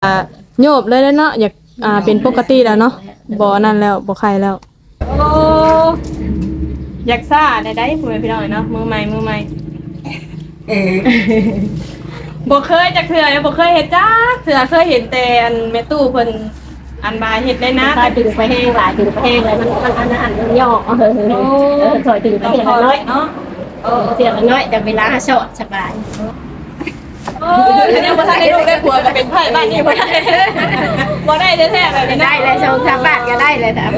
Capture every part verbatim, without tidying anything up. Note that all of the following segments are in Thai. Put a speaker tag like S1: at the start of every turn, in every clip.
S1: อ่าโยบเลยแล้วเนาะอยากอ่าเป็นปกติแล้วเนาะบ่นั่นแล้วบ่ไข้แล้วโอ้อยากซ่าได้ได้พ่อแม่พี่น้องเนาะมือใหม่มือใหม่เออบ่เคยจักเทื่อบ่เคยเฮ็ดจ้าเทื่อเคยเห็นแต่อันแม่ตู้เพิ่นอันบาเฮ็ดได้นะ
S2: ซอยถึงไปแห้งหลายถึงไปแห้งเลยมันมันอันนั้นมันย่อเออเออซอยถึงไปแห้งน้อยเนาะเออเสียงน้อยแต่เวลาโสดสบาย
S1: โอ้ยฉันยังบ่ทันได้ลูกได้ผัวก็เป็นไผบ้านนี้บ่ได้บ่ได้แท้ๆแบบนี้
S2: ได้เลยสองสามบาทก็ได้เลยแต่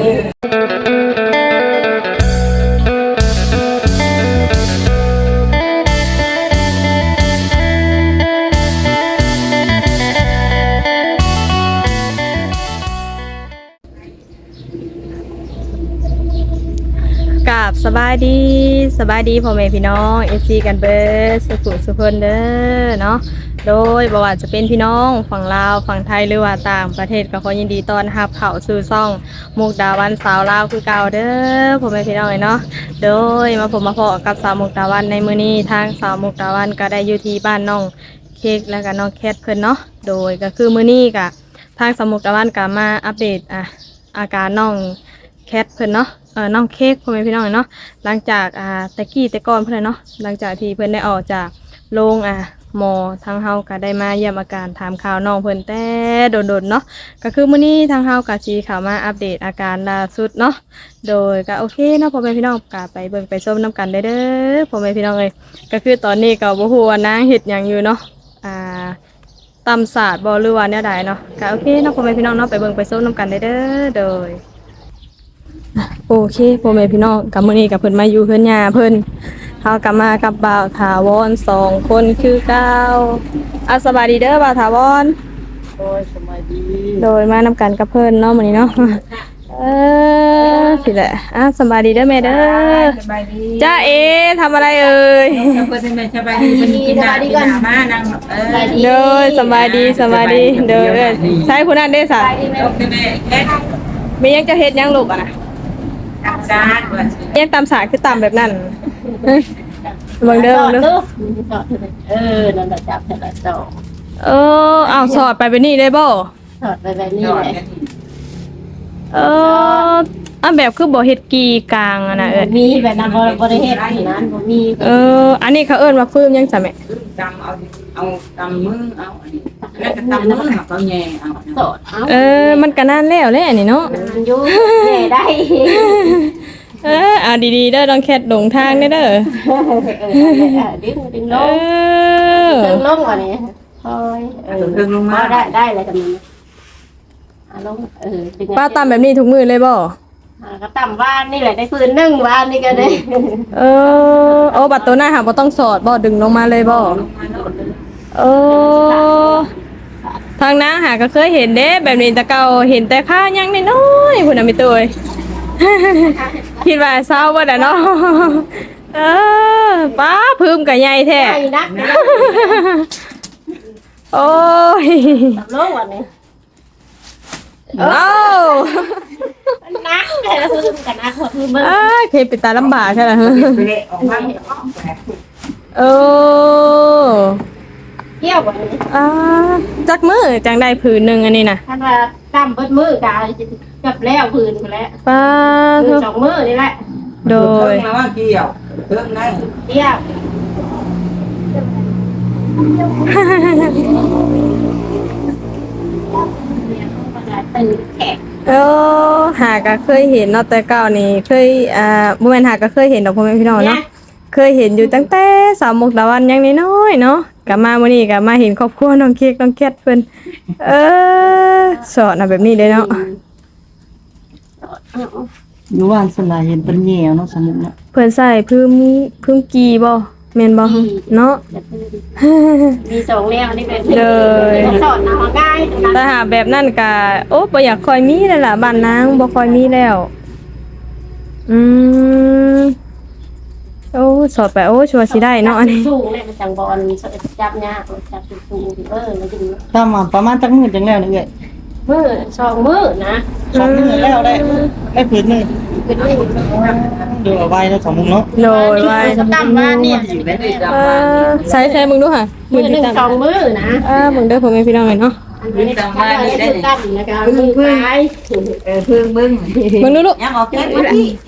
S1: กับสบายดีสบายดีพ่อแม่พี่น้องเอฟซีกันเบิร์ดสุขุสุขคนเด้อเนาะโดยบ่ว่าจะเป็นพี่น้องฝั่งลาวฝั่งไทยหรือว่าต่างประเทศก็ขอยินดีต้อนรับเข้าสู่ช่องมุกดาวันสาวลาวคือเก่าเด้อพ่อแม่พี่น้องเนาะโดยมาผมมาพบกับสาวมุกดาวันในมื้อนี้ทางสาวมุกดาวันก็ได้อยู่ที่บ้านน้องเค้กแล้วก็น้องแคทเพิ่นเนาะโดยก็คือมื้อนี้ก็ทางสาวมุกดาวันก็มาอัปเดตอ่ะอาการน้องแคทเพิ่นเนาะเออน้องเค้กพ่อแม่พี่น้องเนาะหลังจากอ่าตะกี้แต่ก่อนเพิ่นเนาะหลังจากที่เพิ่นได้ออกจากโรงอ่ะหมอทางเฮาก็ได้มาเยี่ยมอาการถามข่าวน้องเพิ่นแต่โดนๆเนาะก็คือมื้อนี้ทางเฮาก็สิเข้ามาอัปเดตอาการล่าสุดเนาะโดยก็โอเคเนาะพ่อแม่พี่น้องก็ไปเบิ่งไปชมนํกันได้เด้อพ่อแม่พี่น้องเอ้ยก็คือตอนนี้ก็บ่ฮู้ว่านางเฮ็ดหยังอยู่เนาะอ่าตำศาสตร์บ่หรือว่าแนวใดเนาะก็โอเคเนาะพ่อแม่พี่น้องเนาะไปเบิ่งไปชมนํกันได้เด้อโดยโอเคพ่อแม่พี่น้องกับมื้อนี้กับเพิ่นมาอยู่เพิ่นย่าเพิ่นเฮากลับมากับบ่าวถาวรสองคนคือเก่าอ่ะสบายดีเด้อบ่าวถาวร
S2: โอ้ยสบายดี
S1: โดยมานำกันกับเพิ่นเนาะมื้อนี้เนาะเออสิแหละอ่ะสบายดีเด้อแม่เด้อ
S2: สบายดี
S1: จ้าเอทำอะไรเอ่ย
S2: เพิ่นเป็นสบายดีเพิ่นกินน้ำกินน้ำมานั่งเออ
S1: เด้อสบายดีสบายดีเด้อใช่ผู้นั้นเด้อซะมียังจะเฮ็ดยังลูกอ่ะนะ
S2: ตำซาด
S1: ยังตำสาคือตำแบบนั้นเบิ่งเด้อเด้อ
S2: เออนั่นแหละจับแต่ละสอง
S1: เอออ้าวสอดไปเป็นนี่ได้บ่
S2: สอดไปแบบนี้แหละ
S1: เอออ่ะแบบคือบ่เฮ็ดกีกลางอ่ะนะเอ้ย
S2: มีแบบนั้นบ่บ่ได้เฮ็ดที่นั้นบ่มี
S1: เอออันนี้เขาเอิ้นว่าฟื้มยังซะแม่
S3: ตำเอาเอาตำมือเอาอันนี้แล้วก็ตำมือเอาแย่เอา
S2: สอดเอา
S1: เออมันก็นานแล้วแหละนี่เนาะ
S2: มันอยู่แย่ได้
S1: เออเอาดีๆเด้อต้องแคทหลงทางเด้อเด้อ
S2: เออดึงดึงลงดึงลงอันนี้คอยเออดึงลงมาได้ได้เลยกันอ่ะลงเออ
S1: ป้าตำแบบนี้ทุกมื้อเลยบ่
S2: ก็ตำบ้านนี่แหละได้พื้นนึ่งบ้านนี่ก็ได้
S1: เออโอ้บัดตัวหน้าหาบ่ต้องสอดบ่ดึงลงมาเลยบ่เออทางน้าหาก็เคยเห็นเด้แบบนี้แต่เก่าเห็นแต่ข้ายังน้อยๆพุ่นน่ะมีตัวคิดว่าเศร้าบ่ได้เนาะเออป้าพึ่มก็ใหญ่แท้
S2: ใหญ่นัก
S1: โอ้ย
S2: ตำลงวันนี้
S1: โอ้
S2: นักแต่ละพึ่มกันนักหัวพึ่ม
S1: เอ้ยเคยเป็นตาลำบากใช่ไหมเออ
S2: เที่ยววันนี้
S1: อ่าจักมือจังได้ผืนหนึ่งอันนี้นะ
S2: ท่านว่าตั้มเบิดมือกาจับแล้วผืนไปแล้ว
S1: ป้า
S2: คือสองมือนี่แหละ
S1: โดย
S3: แล้วว่าเกี่ยวเรื่องนั้น
S2: เที่ยวตื่นแขก
S1: เออหาก็เคยเห็นเนาะแต่เก่านี่เคยอ่าบ่แม่นหาก็เคยเห็นดอกพ่อแม่พี่น้องเนาะเคยเห็นอยู่ตั้งแต่สาวมุกดาวันยังน้อยๆเนาะกลับมามื้อนี้ก็มาเห็นครอบครัวน้องเค้กน้องแคทเพิ่นเออสอนน่ะแบบนี้เลยเนาะ
S3: อยู่ว่านสลายเห็นเป็นแย่เนาะสมุกเนาะ
S1: เพิ่นใส่พึ่มพึ่มกีบ่แม่นบ่เนาะ
S2: มีสองแนวนี่เป็นเลยสอนเอาง่าย
S1: แต่หาแบบนั้นก็โอ้บ่อยากค่อยมีแล้วล่ะบ้านนางบ่ค่อยมีแล้วอืมโอ้สอดไปโอ้ชัวร์สิได้เนาะอันนี้
S2: สูงเลยมันจังบอลจับยากจับสูงเออแล้วจริง
S3: ถ้ามาประมาณจักมื้อจังแล้วนี่เอ้ย
S2: มื้อสองมื้อนะ
S3: สองมื้อแล้วได้ได้ผืนนึงผืนนึงดูเอาไว้แล้วสองมุมเนาะ
S1: โดยไว้
S2: ตั้มว่าเนี่ย
S1: เออใส่ๆมึงดูค่ะ
S2: มื้อนึงสองมื้อนะ
S1: เออมึงเด้อพ่อแม่พี่น้องเนาะ
S2: ไม่ได้ตั้งมาได้ได้ตั้งนะคะมือซ้ายเออพึ่งมึง
S1: มึงดูลูก
S2: ยังออกแค่นี้แหละ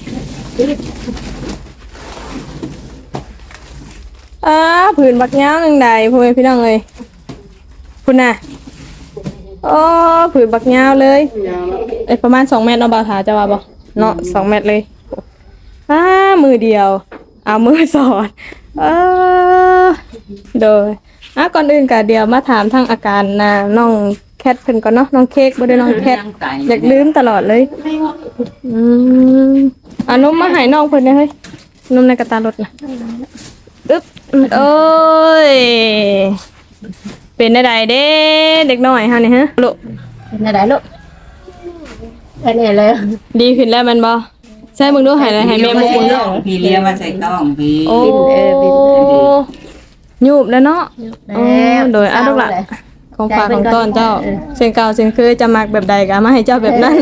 S1: อ้าผืนบักยาวนึงใดพ่อแม่พี่น้องเอ้ยคุณน่ะโอ้ผืนบักยาวเลยเอ้ยประมาณสองเมตรเนาะบ่าวถาจะว่าบ่เนาะสองเมตรเลยอ้ามือเดียวเอามือสอดเออโดยอ่ะก่อนอื่นก็เดี๋ยวมาถามทางอาการน่ะน้องแคทเพิ่นก่อนเนาะน้องเค้กบ่ได้น้องแคทอยากลืมตลอดเลยอืมอ่ะนมมาให้น้องเพิ่นได้เฮ้ยนมในกระตารถน่ะอึ๊บโอ้ยเป็นได้ใดเด้เด็กน้อยเฮานี่ฮะลูก
S2: เป็นอะไรลูกเป็นอะไรเลย
S1: ดีขึ้นแล้วแมันบ่ใช่มึงดูให้เลยให้แม่มึง
S4: น้องพี่เลี้ยงมาใส่ต้องพี่
S1: โอ้ยูบแล้วเนาะ
S2: แล้ว
S1: โดยอ่ะลูกล่ะของฝากของต้อนเจ้าเสียงเก่าเสียงคือจะมักแบบใดก็มาให้เจ้าแบบนั้น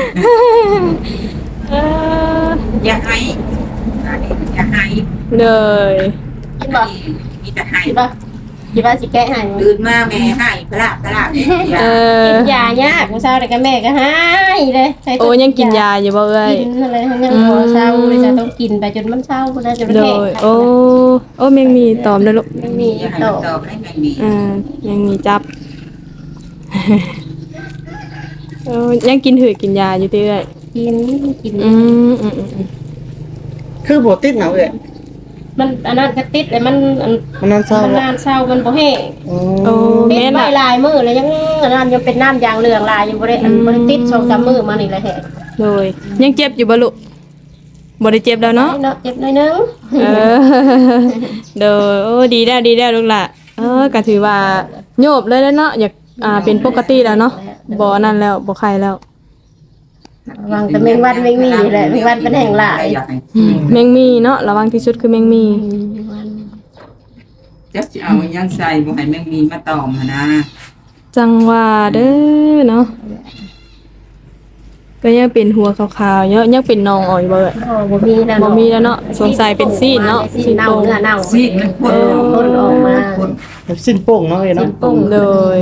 S1: เออ
S4: อย่าให้อย่าให้
S1: เลย
S2: กินบ่
S4: มีแต่ให้
S2: กินบ่กินบ่สิแกะให้
S4: ตื่นมาแม่ให้พระพระ
S1: เออ
S2: กินยายากมื้อเช้าแต่ก็แม่ก็ให้เลยให้
S1: โอ้ยังกินยาอยู่บ่เอ้ย
S2: กินอะไรยังบ่เช้าเลยจะต้องกินไปจนมันเช้าพุ่นน่ะจนมัน
S1: โด
S2: แห้ง
S1: ยโอ้โอ้แมงมีตอมเลยลูก
S2: ไม่มี
S4: อย่าให้
S2: โต
S4: ตอบให้ไม่มี
S1: อ่ายังมีจับ เออยังกินถือกินยาอยู่เรื่อย
S2: กินกิน
S1: อืมอืมอืมอืม
S3: คือบ่ติดหนาวเอ้ย
S2: มันอันนั้นก็ติดเลยมันอัน
S3: มันนั่นเศร้า
S2: มัน
S3: บ่
S2: นานเช้ามันบ่แห้ง
S3: โอ้
S1: โอ้
S2: ติด
S1: แม่น
S2: ไว้
S1: ล่ะ
S2: ลายมือเลยยังอันนั้นยังเป็นน้ำยางเหลืองลายยังบ่ได้อันบ่ได้ติดสองสามมื้อมานี่แหละแฮะ
S1: โดยยังเจ็บอยู่บ่ลูกบ่ได้เจ็บแล้วเนาะ
S2: เนาะเจ็บหน่อยนึง
S1: เออ โดยโอ้ดีแล้วดีแล้วลูกล่ะเออก็ถือว่าโยบเลยแล้วเนาะอยากอ่าเป็นปกติแล้วเนาะบ่นั่นแล้วบ่ไข้แล้ว
S2: วางแต่แมงวันแมงมีแหละแมงวันเป็นแห่งหลาย
S4: อยากให้
S1: แมงมีเนาะระวังที่สุดคือแมงมี
S4: จะเอายังใส่บ่ให้แม่มีมาตอมนะ
S1: จังว่าเด้อเนาะก็ยังเป็นหัวขาวๆเยอะยังเป็นนองอ่อยเบิด
S2: อ๋อบ่มีแล้ว
S1: บ่มีแล้วเนาะสงสัยเป็นซีนเนาะ
S2: ซีนเน่าเนื้อเน่า
S4: ซีดมันพ่น
S2: พ่นออกมา
S3: แบบสิ้นโป่งเนาะเอ้ย
S2: ซี
S3: เนาะ
S2: นปุ้ง
S1: เลย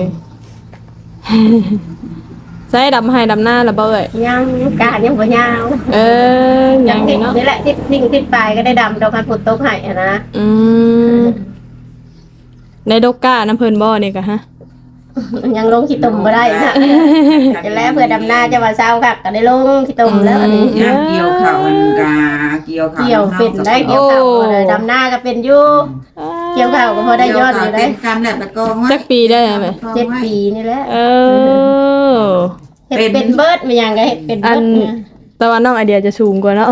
S1: ใส่ดำให้ดำหน้าละเบ้ย
S2: ยังกาดยังบ่ยาว
S1: เออยังนี่เนาะ
S2: นี่แหละที่นิ่งที่ปลายก็ได้ดำดอกคันฝนตกให้อะนะ
S1: อืมในดกก้าน้ำเพิ่นบ่นี่กะฮะ
S2: ยังลงขี้ตุ่มบ่ได้นะจะแล้วเพื่อดำหน้าจะว่าเช้าคักก็ได้ลงขี้ตุ่มแล้วอันนี้
S4: ย่างเกี่ยวข้าวมันกาเกี่ยวข้าว
S2: เกี่ยวเป็นได้เกี่ยวข้าวบ่ได้ดำหน้าก็เป็นอยู่เกี่ยวข้าวก็พอได้ยอดอยู่ได้
S4: เป็นกันแหละตะกอง
S1: จักปีได้ไหม
S2: เจ็ดปีนี่แหละ
S1: เออ
S2: เฮ็ดเป็นเบิดมันยังก็เฮ็ดเป็นเบิดเนี่ย
S1: แต่ว่าน้องไอเดียจะสูงกว่าเนาะ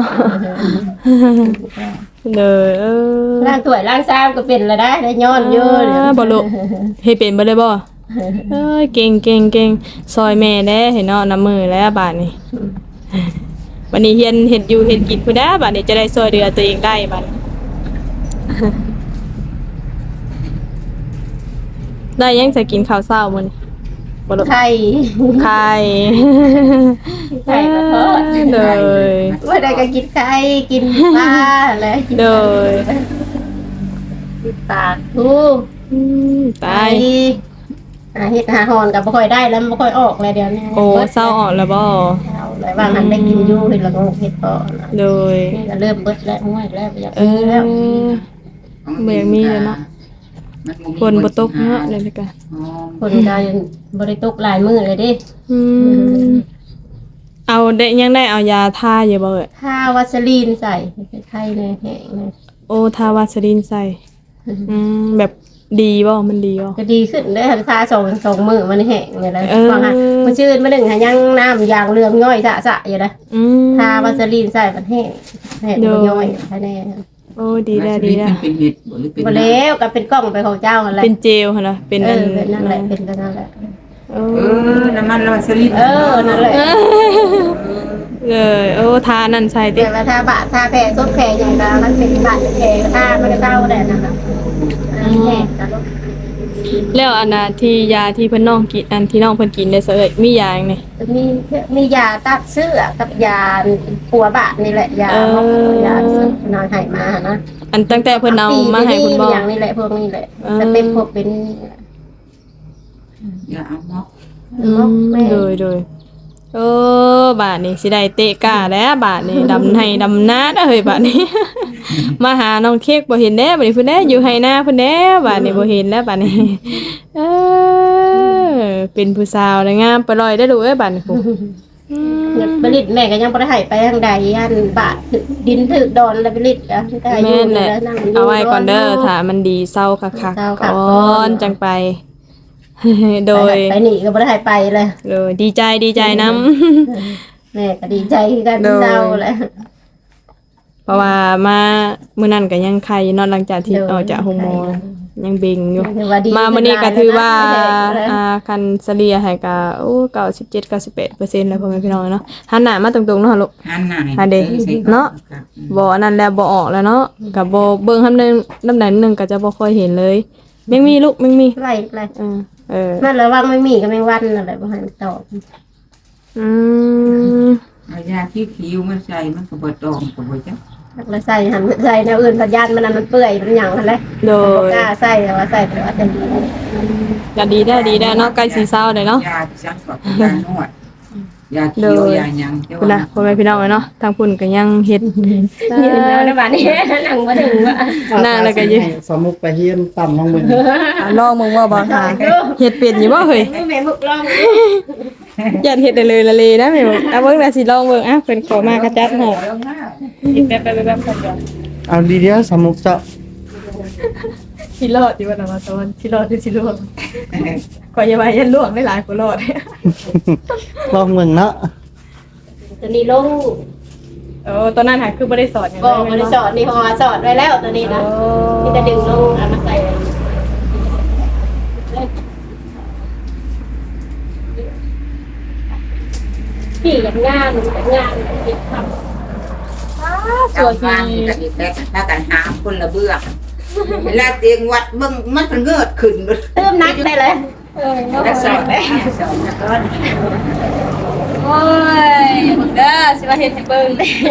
S1: เลยเออ
S2: ล้างถ้วยล้างชามก็เป็นแล้วได้ได้ย้อนอยู่เดี๋ยว
S1: บ่ลูกเฮ็ดเป็นบ่ได้บ่เอ้ยเก่งเก่งเก่งซอยแม่แด้เห็นเนาะน้ำมือแล้วบาดนี้วันนี้เฮียนเฮ็ดอยู่เฮ็ดกินพุ่นด้าบาดนี้จะได้ซอยเดือตัวเองได้บาดนี้ได้ยังจะกินข้าวเช้ามื้อนี้บ่ลูก
S2: ไข่
S1: ไข่
S2: ไข่มาทอด
S1: เลย
S2: ว่าได้ก็กินไข่กินปลาอะไรกิน
S1: เลย
S2: กินปลาทู
S1: อืมตาย
S2: อ่าเฮ็ดหาหอนก็บ่ค่อยได้แล้วบ่ค่อยออกเลยเดี๋ยวนี้
S1: โอ้เศร้าออกแล้วบ่
S2: เศร้าเลยว่ามันได้กินอยู่เฮ็ดละโงกเฮ็ดพอนะ
S1: โดย
S2: นี่ก็เริ่มเบิดแล้วง่วยแล้วอยาก
S1: เอ
S2: มี
S1: อ
S2: แล้ว
S1: เมื่อมีแล้วเนาะฝนบ่ตกเนาะเลยละกัน
S2: คนก็ยังบ่ได้ตกหลายมื้อเลยเด้
S1: อืมเอาได้ยังได้เอายาทาอยู่บ่เอ่ย
S2: ถ้าวัสลีนใส่ไข่ในแห้งเลย
S1: โอ้ทาวาสลินใส่อืมแบบดีบ่มันดีบ่
S2: ก็ดีขึ้นเด้อทาสองสองมื้อมันแห้งนี่แหละ
S1: เออ
S2: ว่าฮะมันชื่นมาหนึ่งหายังน้ำยางเรืองย่อยสะๆอยู่นะ
S1: อืม
S2: ทาวัสลีนใส่มันแห้งแห้งมันย่อยภายใน
S1: โอ้ดีแล้วดีแล้ว
S4: เป็นเห็ดหรือเป็น
S2: บ่แล้วก็เป็นกล้องไปของเจ้าอะไร
S1: เป็นเจลหั่นล่ะเป็น
S2: เอ
S1: อัน
S2: อเป็นนั่นแหละเป็นนั่นแหละ
S1: โอ้
S4: เออน้ำมันเราสลิด
S2: เออนั่นแหละ
S1: เลยโอ้ทานั่นใส่ติ
S2: เดี๋ยวมาทาบะทาแผลซดแผลอย่างนั้นมันเป็นบาดแผลทามันก็เศร้าแหละนะคะอันนี้แห้งกัน
S1: แล้วอันน่ะที่ยาที่เพิ่นน้องกินอันที่น้องเพิ่นกินได้เสยมียาจังได๋
S2: มีมียาตัดเสื้อกับยาปัวบาดนี่แหละยา
S1: เออ
S2: ยานอนหายมานะ
S1: อันตั้งแต่เพิ่นเอามาให้คุณบ่
S2: อย่างนี้แหละพวกนี้แหละ
S1: เออ
S2: สเต็ปพวกเป็น
S4: อย่าเอาเนาะ
S1: อืมโดยโดยโอ้บาทนี่สิได้เตะกาแล้วบาทนี่ดำให้ดำนาเด้อเฮ้ยบาทนี้ มาหาน้องเค้กบ่เห็นแน่บัดนี้เพิ่นแน่อยู่ไห้นาเพิ่นแน่บาดนี้บ่เห็นแล้วบาดนี้ เออเป็นผู้สาวนะงามปล่อยได้อลูกเอ้ยบาดนี้พุอืม
S2: ผลิตแม่ก็ยังบ่ได้ให้ไปทางใดอันบาทถึกดินถึกดอนแล้วผลิตอ่ะก็อายุ
S1: แม่นแหละ
S2: แล้วนั่งยู่
S1: เอาไว้ก่อนเด้อถ้ามันดีเศร้าคัก
S2: เศร้า
S1: ๆ
S2: คัก
S1: ก่
S2: ก่
S1: อ
S2: อน
S1: นจังไป โดย
S2: ไปนี่ก็บ่ได้ให้ไปเลย
S1: โดยดีใจดีใจนำ
S2: แม่ก็ดีใจคือกัน
S1: โดย
S2: เศร้าแหละ
S1: เพราะว่ามามื้อนั้นก็ยังไข่เนอนหลังจากที่ออกจากโรงหมอยังเบ่งอยู่
S2: ถือว่าดี
S1: มามื้อนี้ก็ถือว่า
S2: ขึ้นหลายแล้วนะ
S1: อ่าคันเฉลี่ยให้ก็โอ้เก้าสิบเจ็ด เก้าสิบแปดเปอร์เซ็นต์แล้วพ่อแม่พี่น้องเนาะหันหน้ามาตรงๆเนาะลูก
S4: หันหน้า
S1: หันเด้เนาะ บ่อันนั้นแล้วบ่ออกแล้วเนาะก็บ่เบิ่งคำนึงลำดับหนึงก็จะบ่ค่อยเห็นเลยแม่งมีลูกแม่งมี
S2: ไล่ไล่
S1: เออเออ
S2: มันระวังไม่มีก็แมงวันอะไรบ่ให้มันตอบ
S1: อืม
S4: เอายาที่ผิวมันใส่มันก็บ่ตองก็บ่จัก
S2: แล้วใส่หันใส่แนวอื่นสัญญาณมันนั่นมันเปื่อยมันหยังหั่นแหละ
S1: โด
S2: บ่
S1: ย
S2: กล้าใส่แต่ว่าใส่แต่ว่าจะดี
S1: ก็ดีได้ดีได้เนาะใกล้สิเช้าเลยเนาะ
S4: ยาที่ฉันก็ยานวดยาเขียวยาหยังแต่
S1: พุ่น
S4: ว่า
S1: น่ะพ่อแม่พี่น้องเนาะทางพุ่นก็ยังเฮ็ด
S2: ยืนแล้วนะบัดนี้นั่งบ่ถึงว่า
S1: นั่งแล้วก็ยืน
S3: สมุกไปเฮียนต่ำน้องมึง
S1: อ่ะลองมึงว่าบ่ทาเฮ็ดเป็นอยู่บ่เฮ้ย
S2: แม่บุกลอง
S1: อย่าเฮ็ดได้เลยละเลยนะแม่บอกอ่ะเบิ่งน่ะสิลองเบิ่งอ่ะเพิ่นขอมากระจัดให้เฮ็ดแป๊บๆๆๆก่อน
S3: เอาดีเดียวสมุกเจ้า
S1: สิรอดอยู่ว่าน่ะว่าตอนสิรอดหรือสิล่วงขอยอย่าว่ายันล่วงได้หลายกว่ารอด
S3: ลองมึงเนาะ
S2: ตัวนี้ลง
S1: เออตอนนั้นหาคือบ่ได้สอนหยัง
S2: ก็
S1: เลย
S2: บ่ได้สอนนี่เพราะว่าสอนไว้แล้วตัวนี้นะนี่จะดึงลงเอามาใส่พี่อย่างงานอย่างงานติดทำ
S4: สวยงามกันอีกแล้วถ้ากันหาคนละเบื้องเวลาเตียงวัดเบิ่งมันก็เกิดขึ้นเบิด
S2: เติมนักได้เลย
S4: แล้วสอนได้สอนก่อน
S1: โอ้ยมึงเด้อสิว่าเฮ็ดให้เบิ่ง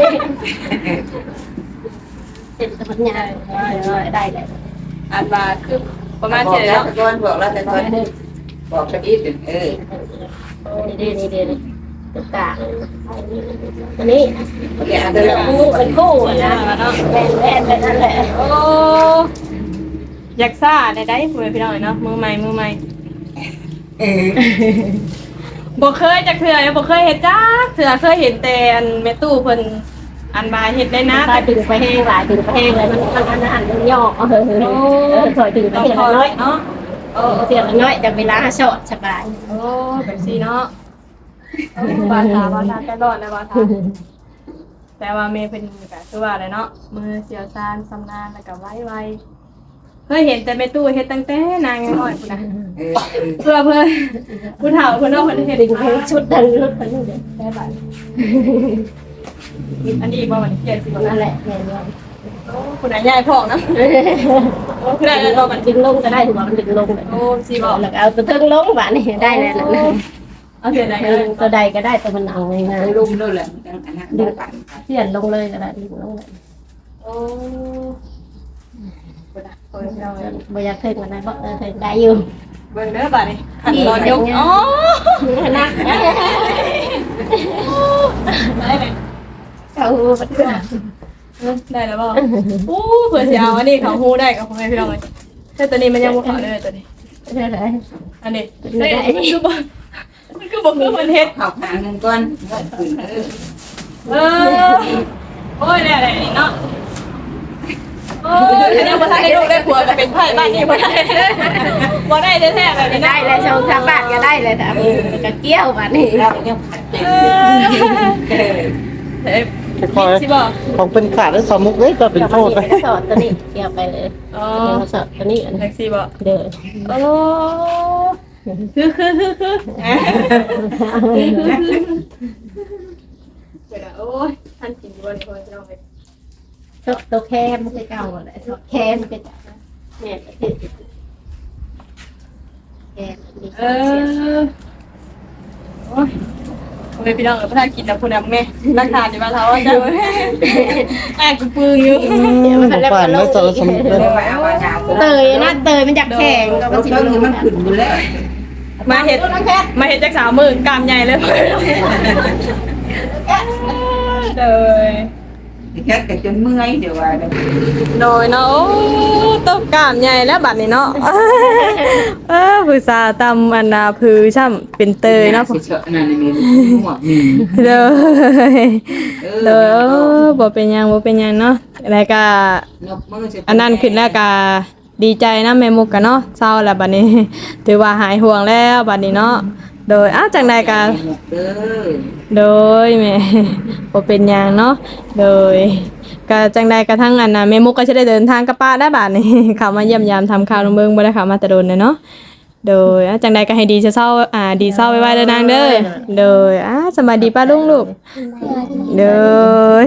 S2: เป็นตะพันยาได้เลย
S1: อ่านว่าคือประมาณ
S4: บอ
S1: เท่าก ไหร่
S4: แล้ว
S1: เนาะ
S4: แต่ก่อนบอกแล้วแต่ก่อนบอกกันอีกเออ
S2: นี่ดีนี่ดีนี่ตุ๊กตาอันนี้
S4: เดี๋ยว
S2: เป็
S4: เดิ
S2: น
S4: น
S2: คู่เป็นคู่นะแว่นแว่นไปนั่นแหละ
S1: โอ้อยากซ่าได้ได้เพื่อนพี่น้องเนาะมือใหม่มือใหม่
S4: เออ
S1: บ่เคยจักเทื่อบ่เคยเฮ็ดจักเทื่อเคยเห็นแต่อันแม่ตู้เพิ่นอันมาเฮ็ดได้นะ
S2: ถอยถึงไปแห้งหลายถึงไปแห้งเลยมันมันอันนั้นมันย่อเออถอยถึงไป
S1: ต้อง
S2: เทีย
S1: ถ
S2: ละ
S1: อย
S2: น้อย
S1: เนาะ
S2: เออเทียละน้อยจากเวลาสอดสบาย
S1: โอ้แบบซี่เนาะโอ้บาทาบาทาแต่รอดนะบาทาแต่ว่าเมย์เพิ่นก็คือว่าอะไรเนาะมือเสียวซานสำนาญแล้วก็ไวๆเคยเห็นแต่แม่ตู้เฮ็ดตั้งแต่นางน้อยพุ่นน่ะ
S4: เออเออ
S1: เพื่อเพื่อผู้เฒ่าเพิ่นเนาะเพิ่นเฮ็ด
S2: ดึงเพลงชุดดังรถคันนี้เด็กแค่บาท
S1: อันนี้บ่มันเขียนสิบ่
S2: นั่นแหละแม่น
S1: โอ้คุณนายยายพ่องนะโอ้คุณนายยายบ่มัน
S2: ดึงลงก็ได้ถือว่ามันดึงลงเลย
S1: โอ้สิบ่
S2: แล้วเอาตัวเทิงลงบาทนี่ได้แล้วนะ
S1: เอาเสียไหน
S2: ตัวใดก็ได้ตัวมันเอาไงนะ
S4: ลุมด้วยแหละอันนั้นดึงกัน
S2: เสียนลงเลยก็ได้ดึงลงเลย
S1: โอ้บ่ได้โอ้ยเอาไว้
S2: บ่อยากเทิงกันได้บ่เออเทิงได้อยู่
S1: เบิ่งเด้อบัดนี้ขันตอนยกอ๋อ
S2: นัก
S1: ได้เลย
S2: เขาบัดเกิด
S1: ได้แล้วบ่โอ้เผื่อสิเอาอันนี้เขาฮู้ได้กับพ่อแม่พี่น้องเลยแต่ตัวนี้มันยังบ่เข้าเลยตัวนี้
S2: เท่าไหร่
S1: อันนี้มันคือบ่มันคือบ่คือมันเฮ็ด
S4: เข้าหาเงินก่อนเงินขึ้นเออ
S1: เออโอ้ยได้ได้นี่เนาะโอ้ยฉันยังบ่ทันได้ลูกได้ผัวก็เป็นไผบ้านนี้บ่ได้บ่ได้แท้ๆแบบนี้
S2: ได้เลยชาวชาวบ้านก็ได้เลยแต่ก็เกี้ยวบาทนี่
S4: เรายังผัดเป็น
S1: เออเฮ้ย
S3: คอย
S1: สิบ่
S3: ของเป็นขาดแล้วสมุกเอ้ยก็เป็นโทษไป
S2: สอดตัวนี้เกี่ยวไปเลย
S1: อ๋อ
S2: สอดตัวนี้
S1: แท็กซี่บ่
S2: เด้อ
S1: โอ้คือคือคือคือเดี๋ยวนะโอ้ยท่านกินอยู่วันนี้คนเราไป
S2: ชอบตัวแคมมันเก่าแหละชอบแคมเป็นเนี่ยติดแคมดี
S1: เออโอ้ยโอ้ยพี่น้องเออพระท่านกินนะคุณนำแม่ราคาดีมาเท่าจะอ่ะกูปึงอยู่
S3: ผ่านแล้วจะสมุกเลย
S4: เอาว่าเอา
S2: เตยนะเตยมันจับแข็งก็
S4: เรา
S2: มันสิ
S4: เพิ่งมันขึ้นอยู่แล้ว
S1: เมาเฮ็ดมาเฮ็ดจักสาวมือกล้ามใหญ่เลยโดย
S4: แค่แต่จนเมื่อยเดี๋ยวว่าเดี๋ยว
S1: โดยเนาะโอ้ต้มกล้ามใหญ่แล้วบัดนี้เนาะเออผู้สาวตำอันนาพือช่ำเป็นเตยเนาะ
S4: สิเชอะนั่นนี่หัวนี่
S1: เลย
S4: เอ
S1: เล
S4: อย
S1: เออบ่เป็นหยังบ่เป็นหยังเนาะแล้วก็
S4: นกมือสิ
S1: อันนั้นขึ้นแล้วก็ดีใจนะแม่มุกกันเนาะเศร้าแล้วบัดนี้ ถือว่าหายห่วงแล้วบัดนี้เนาะโดยอ้าวจังใดก็
S4: เด้อ
S1: โดยแม่ บ่เป็นหยังเนาะโดยก็จังใดกระทั่งอันน่ะแม่มุกก็จะได้เดินทางกับป้าได้บัดนี้ เข้ามาเยี่ยมยามทำข่าวลงเบิ่งบ่ได้เข้ามาแต่โดนเลยเนาะโดยอ้าวจังใดก็ให้ดีเศร้าๆอ่าดีเศร้าไว้ๆเด้อนางเด้อโดยอ้าสบายดีป้าลุงลูกโดย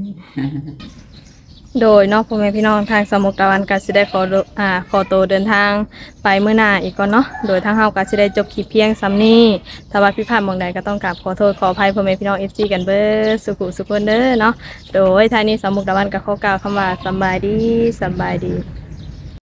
S1: โดยเนอกพ่อแม่พี่น้องทางสมุทรตะวันก็สิได้ขอโดอ่าขอตัวเดินทางไปมื้อหน้าอีกก่อนเนาะโดยทางเฮาก็สิได้จบคลิปเพียงซ้ำนี้ถ้าว่าผิดพลาดหม่องใดก็ต้องกราบขอโทษขออภัยพ่อแม่พี่น้อง เอฟ ซี กันเบิดสุขุสุขคนเด้อเนาะโดยทางนี้สมุทรตะวันก็ขอกล่าวคำว่าสำบายดีสำบายดี